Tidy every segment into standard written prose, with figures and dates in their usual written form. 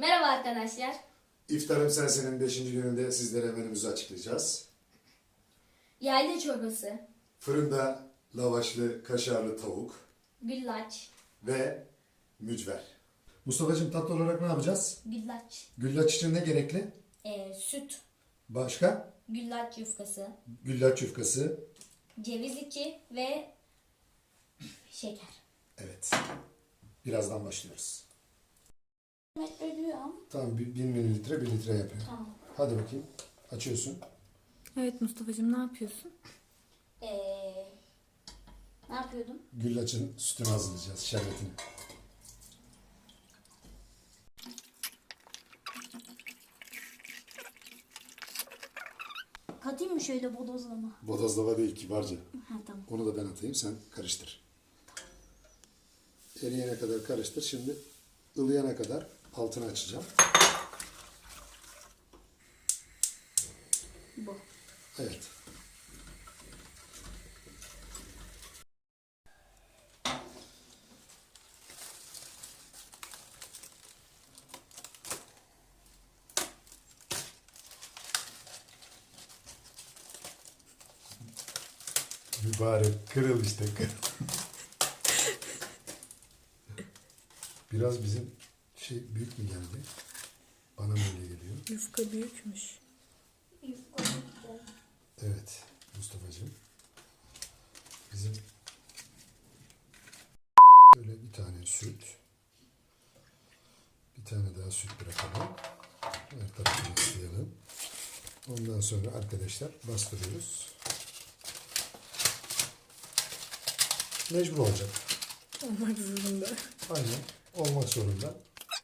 Merhaba arkadaşlar. İftarım Sensin'in 5. gününde sizlere menümüzü açıklayacağız. Yayla çorbası, Fırında lavaşlı kaşarlı tavuk güllaç, ve mücver. Mustafa'cığım tatlı olarak ne yapacağız? güllaç, Güllaç için ne gerekli? süt, Başka? güllaç yufkası, Güllaç yufkası. ceviz içi ve şeker. Evet. Birazdan başlıyoruz. Ölüyorum. Tamam 1000 mililitre 1 litre yapıyor. Tamam. Hadi bakayım. Açıyorsun. Evet Mustafa'cığım ne yapıyorsun? Ne yapıyordum? Güllaçın sütünü hazırlayacağız. Şerbetini. Katayım mı şöyle bodozlama? Bodozlava değil kibarca. Ha tamam. Onu da ben atayım sen karıştır. Eriyene kadar karıştır. Şimdi ılıyana kadar altını açacağım. Bu. Evet. Mübarek kırıl işte kırıl. Biraz bizim büyük mü geldi? Bana mı öyle geliyor? Yufka büyükmüş. Evet Mustafa'cığım. Bizim böyle bir tane süt. Bir tane daha süt bırakalım. Her tarafını ıslayalım. Ondan sonra arkadaşlar bastırıyoruz. Mecbur olacak. Olmak zorunda. Aynen. Olmak zorunda.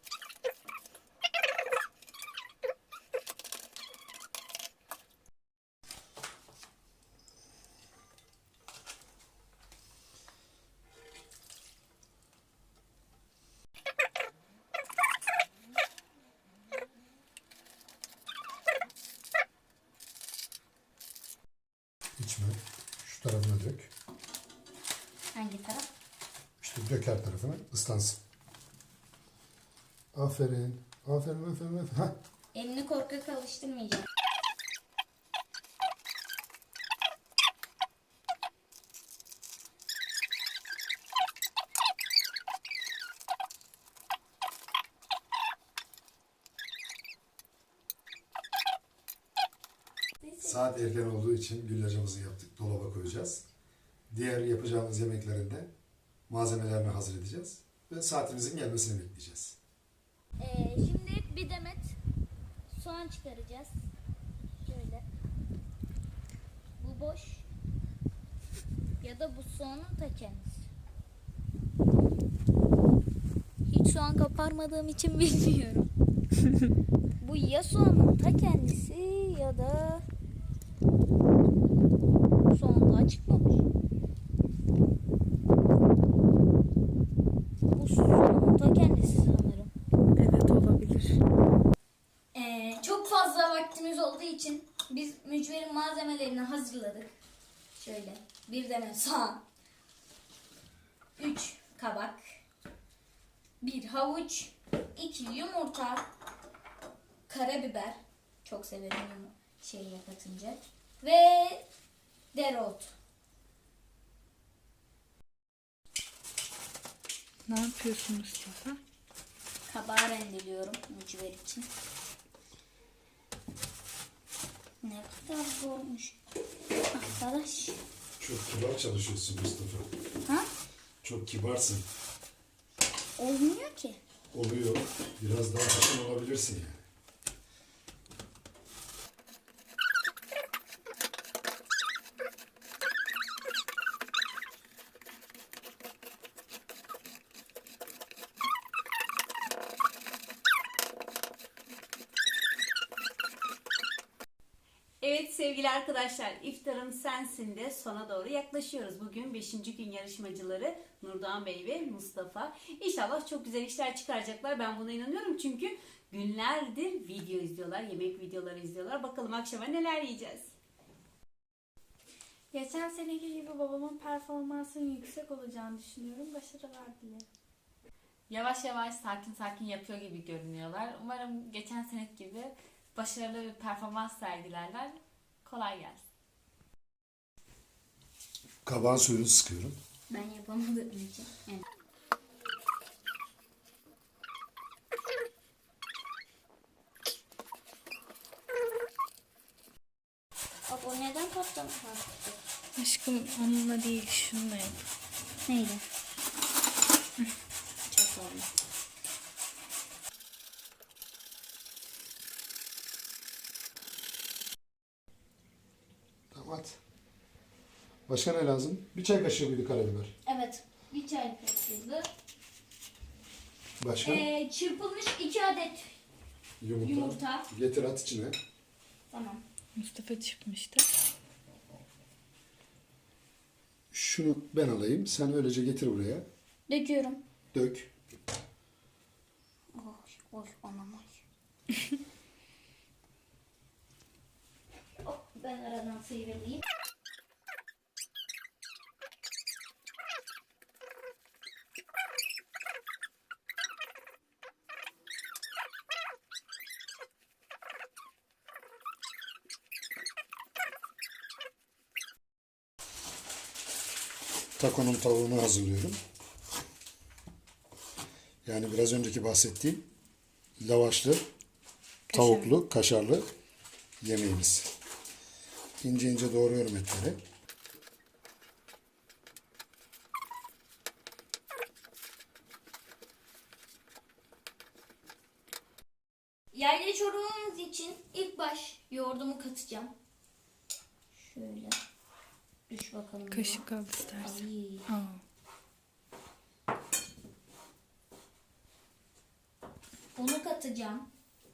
İçme. Şu tarafına dök. Hangi taraf? İşte dök her tarafına. Islansın. Aferin. Aferin, aferin, aferin. Hah. Elini korkak alıştırmayacağım. Saat erken olduğu için güllacımızı yaptık. Dolaba koyacağız. Diğer yapacağımız yemeklerinde malzemelerini hazır edeceğiz. Ve saatimizin gelmesini bekleyeceğiz. Şimdi bir demet soğan çıkaracağız. Şöyle. Bu boş. Ya da bu soğanın ta kendisi. Hiç soğan kaparmadığım için bilmiyorum. Bu ya soğanın ta kendisi ya da soğan daha çıkmamış. Bu soğanın ta kendisi sanırım. Evet olabilir. Çok fazla vaktimiz olduğu için biz mücverin malzemelerini hazırladık. Şöyle bir demet soğan, 3 kabak, 1 havuç, 2 yumurta, karabiber, çok severim şeyle katınca, ve dereotu. Ne yapıyorsun Mustafa? Kabağı rendeliyorum mücver için. Ne kadar zormuş arkadaş. Çok kibar çalışıyorsun Mustafa. Ha? Çok kibarsın. Olmuyor ki. Oluyor. Biraz daha haşin olabilirsin yani. Evet sevgili arkadaşlar, İftarım Sensin de sona doğru yaklaşıyoruz. Bugün 5. gün yarışmacıları Nurdoğan Bey ve Mustafa. İnşallah çok güzel işler çıkaracaklar. Ben buna inanıyorum çünkü günlerdir video izliyorlar, yemek videoları izliyorlar. Bakalım akşama neler yiyeceğiz. Geçen seneki gibi babamın performansının yüksek olacağını düşünüyorum. Başarılar dilerim. Yavaş yavaş sakin sakin yapıyor gibi görünüyorlar. Umarım geçen seneki gibi başarılı bir performans sergilerler. Kolay gelsin. Kabağın suyunu sıkıyorum. Ben yapamadığım için. Evet. Bak o neden patlamış? Aşkım onunla değil şununla yap. Neyle? Çok oldu. Tamam at. Başka ne lazım? Bir çay kaşığı mıydı karabiber? Evet. Bir çay kaşığı. Başka? Çırpılmış 2 adet yumurta. Getir at içine. Tamam. Mustafa çıkmıştı. Şunu ben alayım. Sen öylece getir buraya. Döküyorum. Dök. Oy anam oy. Hop, ben aradan sıyrılayım. Takonun tavuğunu hazırlıyorum. Yani biraz önceki bahsettiğim lavaşlı, tavuklu, kaşarlı yemeğimiz. İnce ince doğruyorum etleri. Yayla çorbamız için ilk baş yoğurdumu katacağım. Şöyle. Düş bakalım. Kaşık al istersen. Ay. Aa. Bunu katacağım.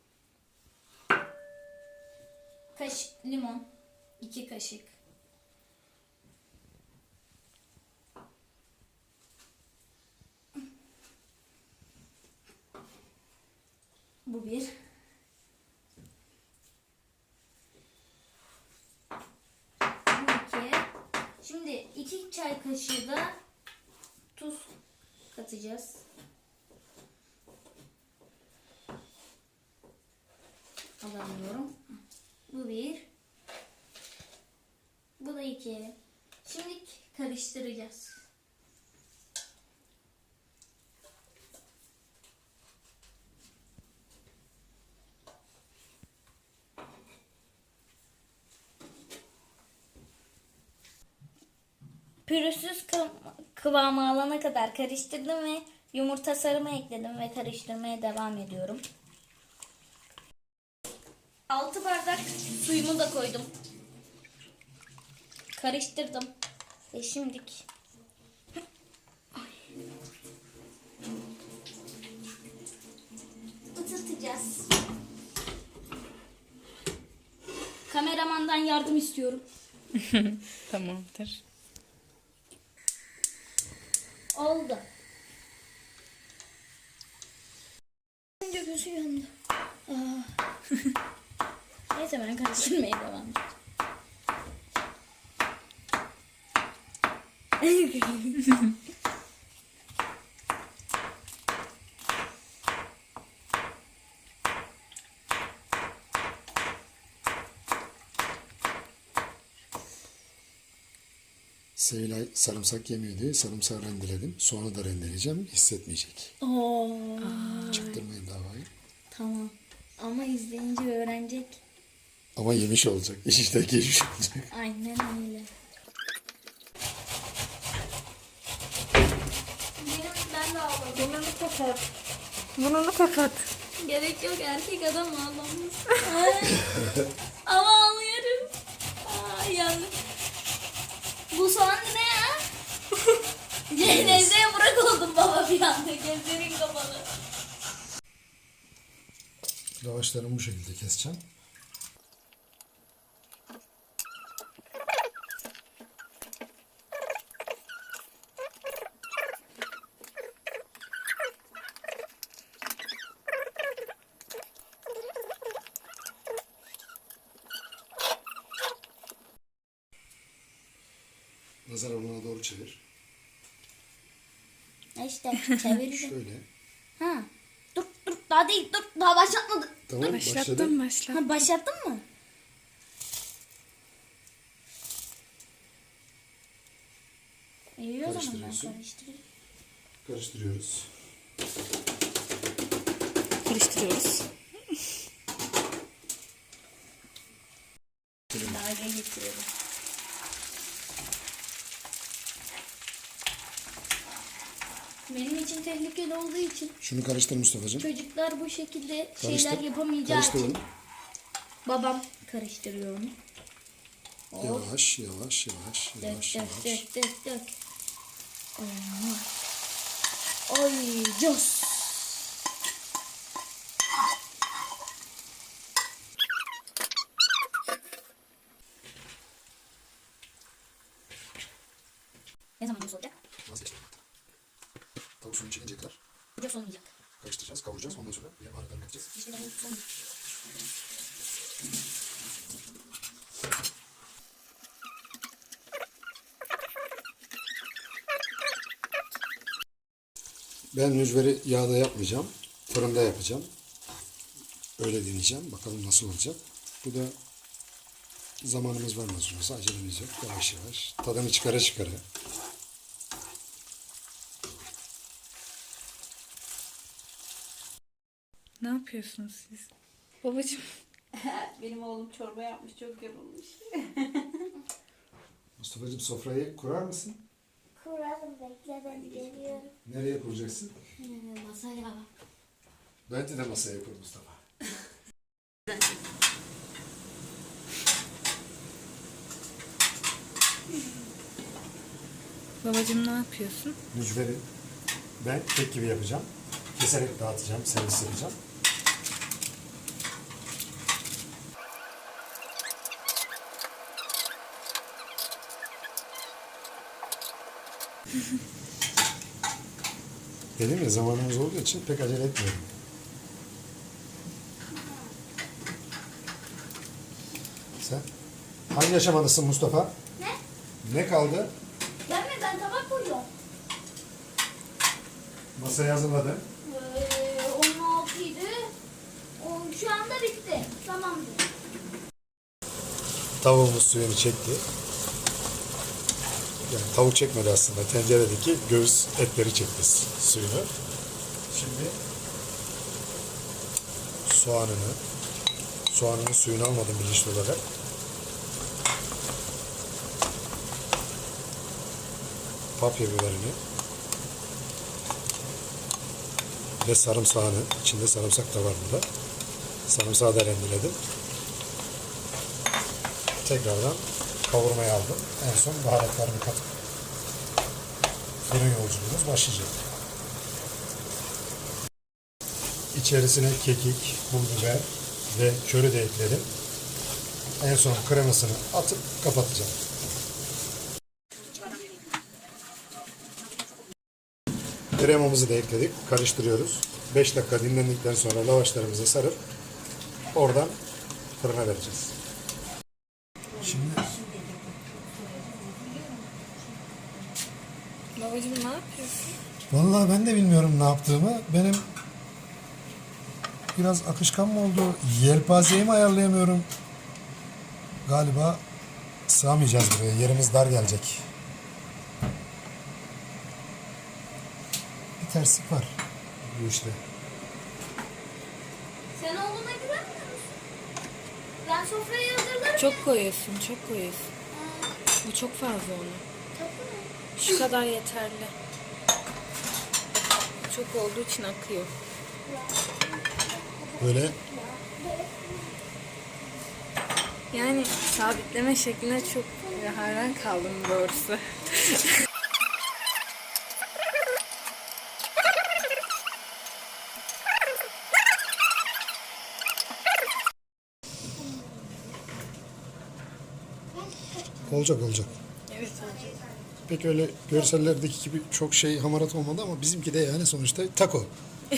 Limon. 2 kaşık. Bu bir. Bu 2. Şimdi 2 çay kaşığı da tuz katacağız. Alamıyorum. Bu bir. Bu da 2. Şimdi karıştıracağız. Pürüzsüz kıvamı alana kadar karıştırdım ve yumurta sarımı ekledim ve karıştırmaya devam ediyorum. 6 bardak suyumu da koydum. Karıştırdım. Ve şimdilik ısıtacağız. Kameramandan yardım istiyorum. Tamamdır. Oldu. Önce gözü yandı. Neyse ben karıştırmaya devam edeceğim. Sevilay sarımsak yemiyordu. Sarımsağı rendeledim. Sonra da rendeleyeceğim. Hissetmeyecek. Oo, Çaktırmayın davayı. tamam. Ama izleyince öğrenecek. Ama yemiş olacak. İş işte geçmiş olacak. Aynen öyle. Ben de ağladım. Burnunu kapat. Burnunu kapat. Gerek yok, erkek adam ağlamış. Ama ağlıyorum. Ay yandım. Bu soğan ne ya? Cenazeye bırak oldum baba bir anda. Gözlerin kapalı. Lavaşlarımı bu şekilde keseceğim. Nazar alanına doğru çevir. İşte çevirdim. Şöyle. Ha. Dur daha değil dur daha başlatmadık. Tamam Başlattım başlattım. Ha, başlattın mı? İyi o zaman ben Karıştırıyorsun. karıştırayım. Karıştırıyoruz. Karıştırıyoruz. Daha geçiyorum. Benim için tehlikeli olduğu için Şunu karıştır Mustafa'cığım. çocuklar bu şekilde Karıştır. şeyler yapamayacağı Karıştır için onu. babam karıştırıyor onu. Yavaş yavaş yavaş Dök yavaş dök yavaş. dök dök dök. Allah. Ay cos. Ne zaman cos olacak? Vazgeçtim. Tavuk suyun içine kadar Cos olmayacak. karıştıracağız, kavuracağız. Ondan sonra bir baharatlarını katacağız. İşte ben son. Ben mücveri yağda yapmayacağım. Fırında yapacağım. Öyle deneyeceğim. Bakalım nasıl olacak. Bu da zamanımız var nasıl olsa. Acelemiz yok. Yavaş yavaş. Tadını çıkara çıkara. Ne yapıyorsunuz siz? Babacığım. Benim oğlum çorba yapmış, çok yorulmuş. Mustafa'cığım sofrayı kurar mısın? Kuralım bekle ben geliyorum. Nereye kuracaksın? Masaya. Bence de masaya kur Mustafa. Babacığım ne yapıyorsun? Mücveri ben kek gibi yapacağım. Keserek dağıtacağım, servis yapacağım. Dedim ya zamanımız olduğu için pek acele etmiyorum. Sen hangi aşamadasın Mustafa? Ne? Ne kaldı? Ben tabak koyuyorum. Masayı hazırladın. 16 idi. Şu anda bitti. Tamamdır. Tavuğumuz suyunu çekti. Yani tavuk çekmedi aslında. Tenceredeki göğüs etleri çekti suyunu. Şimdi soğanının suyunu almadım bilinçli olarak. Papya biberini ve sarımsağını, içinde sarımsak da var burada. Sarımsağı da rendeledim. Tekrardan kavurmaya aldım. En son baharatlarını katıp fırın yolculuğumuz başlayacak. İçerisine kekik, pul biber ve köri de ekledim. En son kremasını atıp kapatacağım. Kremamızı da ekledik. Karıştırıyoruz. 5 dakika dinlendikten sonra lavaşlarımızı sarıp oradan fırına vereceğiz. Şimdi Babacığım ne yapıyorsun? vallahi ben de bilmiyorum ne yaptığımı. Benim biraz akışkan mı oldu? Yelpazeyi mi ayarlayamıyorum? Galiba sığamayacağız buraya. Yerimiz dar gelecek. Bir terslik var bu işte. Sen oğluna güvenmiyor musun? Ben sofrayı hazırlarım. Çok koyuyorsun, çok koyuyorsun. Bu çok fazla onu. Şu kadar yeterli. Çok olduğu için akıyor. Böyle Yani sabitleme şekline çok hayran kaldım doğrusu. olacak olacak. Evet olacak. Pek öyle görsellerdeki gibi çok şey hamarat olmadı ama bizimki de yani sonuçta taco.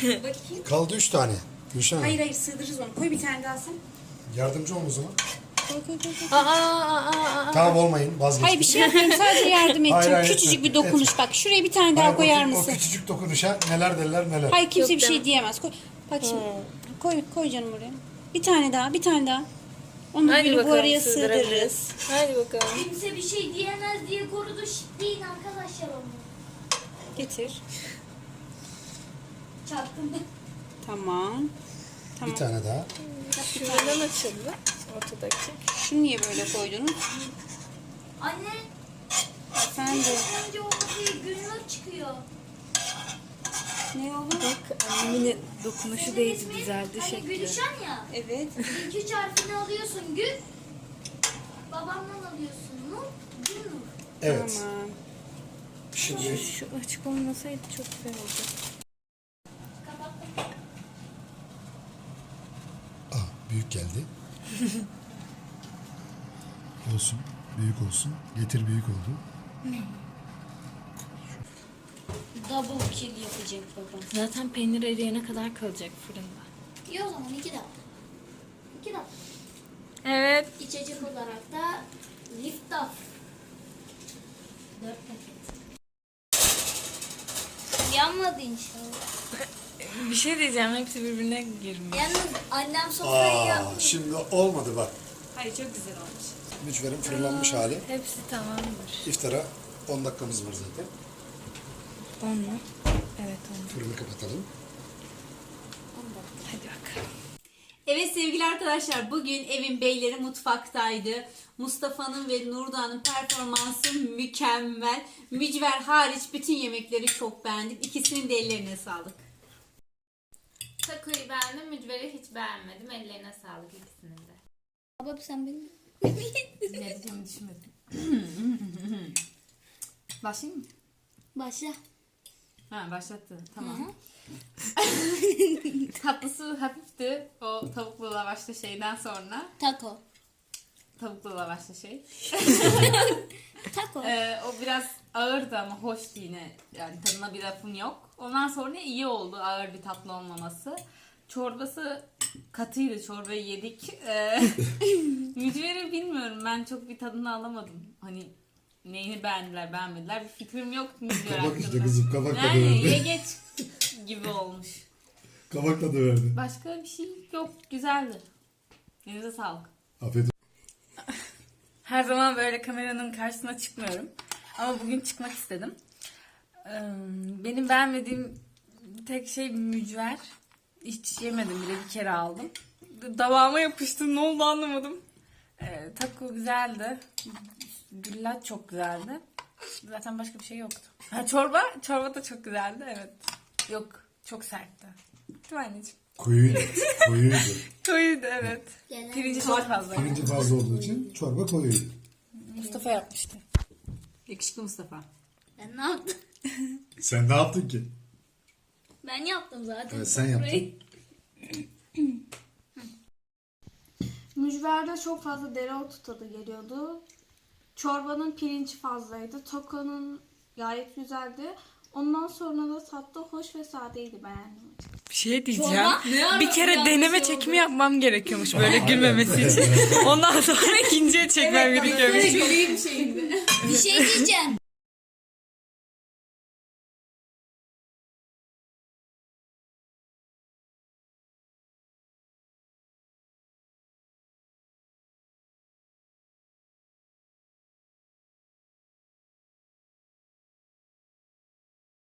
Bakayım. Kaldı 3 tane. Gülşen Hanım, Hayır sığdırırız onu. Koy bir tane daha sen. yardımcı olun o zaman. Tamam olmayın vazgeçtim. Hayır bir şey yapmayayım, sadece yardım edeceğim. hayır, Küçücük etme, bir dokunuş bak. Şuraya bir tane daha Hayır, koyar o mısın? küçücük dokunuşa neler derler neler. Hayır kimse Yok bir şey demem. diyemez. Koy. Bak şimdi. Koy canım oraya. Bir tane daha, bir tane daha. Onu Hadi böyle bu bakalım araya sığdırabiliriz. sığdırırız. Hadi bakalım. Kimse bir şey diyemez diye korudu. Değil arkadaşlar onu. Getir. Çaktım. Tamam. Bir tane daha. Şuradan açıldı. Ortadaki. Şunu niye böyle koydunuz? Anne. Efendim. Önce o masayı günlük çıkıyor. Ne oldu? Bak annemin dokunuşu değdi, düzeldi Hani şekli. Gülüşen ya. Evet. İlk 3 harfini alıyorsun Gül. Babamdan alıyorsun Nur. Gül Nur. Evet. Tamam. Şimdi Şu açık olmasaydı çok güzel oldu. Kapattım. büyük geldi. Olsun. Büyük olsun. Getir büyük oldu. Double kill yapacak babam. Zaten peynir eriyene kadar kalacak fırında. İyi o zaman 2 dakika. 2 dakika. Evet. İçecek olarak da lift off. 4 paket. Yanmadı inşallah. Bir şey diyeceğim, hepsi birbirine girmiş. Yalnız annem sofrayı yapmış. Şimdi olmadı bak. Hayır çok güzel olmuş. Mücverin fırınlanmış hali. Hepsi tamamdır. İftara 10 dakikamız var zaten. 10 mu? Evet 10. Fırını kapatalım. Hadi bakalım. Evet sevgili arkadaşlar, bugün evin beyleri mutfaktaydı. Mustafa'nın ve Nurda'nın performansı mükemmel. Mücver hariç bütün yemekleri çok beğendim. İkisinin de ellerine sağlık. Takoyu beğendim, mücveri hiç beğenmedim. Ellerine sağlık ikisinin de. Baba sen beni... Ne diyeceğimi düşünmedim. Başlayayım mı? Başla. Ha başlattı. Tamam. Tatlısı hafifti. O tavuklu lavaşlı şeyden sonra. Taco. Tavuklu lavaşlı şey. Taco. O biraz ağırdı ama hoştu yine. Yani tadına bir lafım yok. Ondan sonra iyi oldu ağır bir tatlı olmaması. Çorbası katıydı. Çorbayı yedik. Mücveri bilmiyorum. Ben çok bir tadını alamadım. Hani neyini beğendiler beğenmediler. Bir fikrim yok mücver Kabak işte hakkında. kızım, kabak tadı Yani verdi. ye geç gibi olmuş. Kabak tadı verdi. Başka bir şey yok. Güzeldi. Elinize sağlık. Afiyet Her zaman böyle kameranın karşısına çıkmıyorum. Ama bugün çıkmak istedim. Benim beğenmediğim tek şey mücver. Hiç yemedim bile, bir kere aldım. Davama yapıştı, ne oldu anlamadım. Taco güzeldi. Güllaç çok güzeldi. Zaten başka bir şey yoktu. Ha, çorba da çok güzeldi, evet. Yok, çok sertti. Değil mi anneciğim? Koyuydu. Koyuydu. Koyuydu, evet. Gelen- Pirinci çok fazla. Pirinci fazla olduğu için çorba koyuydu. Mustafa yapmıştı. Yakışıklı Mustafa. Ben ne yaptım? Sen ne yaptın ki? Ben yaptım zaten. Evet, sen yaptın. Mücverde çok fazla dereotu tadı geliyordu. Çorbanın pirinci fazlaydı. Takonun gayet güzeldi. Ondan sonra da tatlı hoş ve sadeydi, beğendim. Bir şey diyeceğim. Çorba? Ne Bir kere ara deneme yanlış çekimi yapmam gerekiyormuş böyle gülmemesi için. Ondan sonra ikinciye çekmem gerekiyormuş. Bir şey diyeceğim.